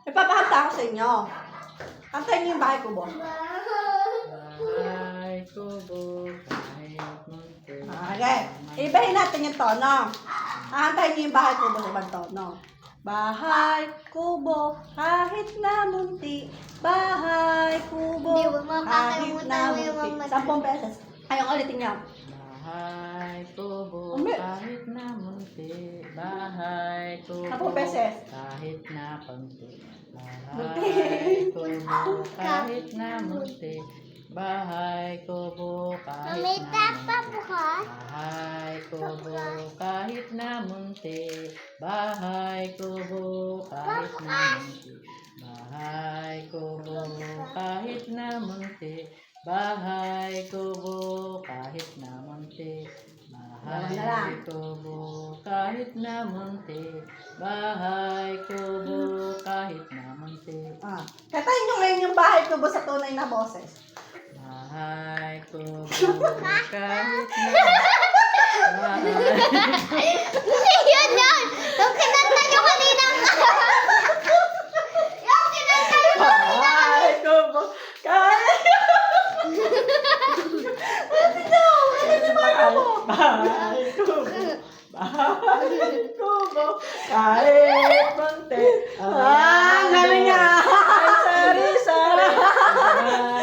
Ipapakanta ako sa inyo. Kantayin niyo yung bahay kubo. Bahay kubo, kahit munti. Okay. Ibahin natin yung tono. Kantayin niyo yung bahay kubo sa ibang tono. Bahay kubo, kahit na munti. Bahay kubo, Hindi, huwag mo kahit na kakalimutan mo yung munti. mga 10 beses. Ayong ulitin niyo. Bahay kubo, Umi. kahit na munti. Bahay kubo, 10 beses. kahit na konti. Munti. Bahay kubo, kahit na munti. Bahay kubo, kahit May na tapa munti. bukas. Bahay kubo, kahit na munti. Bahay kubo, kahit na munti. Bahay kubo, kahit na munti. Bahay kubo, kahit na munti. Bahay kubo, kahit na munti. Bahay kubo, kahit na munti. Kantayin niyo ngayon yung bahay kubo sa tunay na boses. Bahay kubo, kahit na bahay. Yun yun! Yung kinanta nyo kanina. Yung kinanta nyo. Bahay kubo, kahit... Bahay kubo, bahay kubo, kahit munti. Galing nga!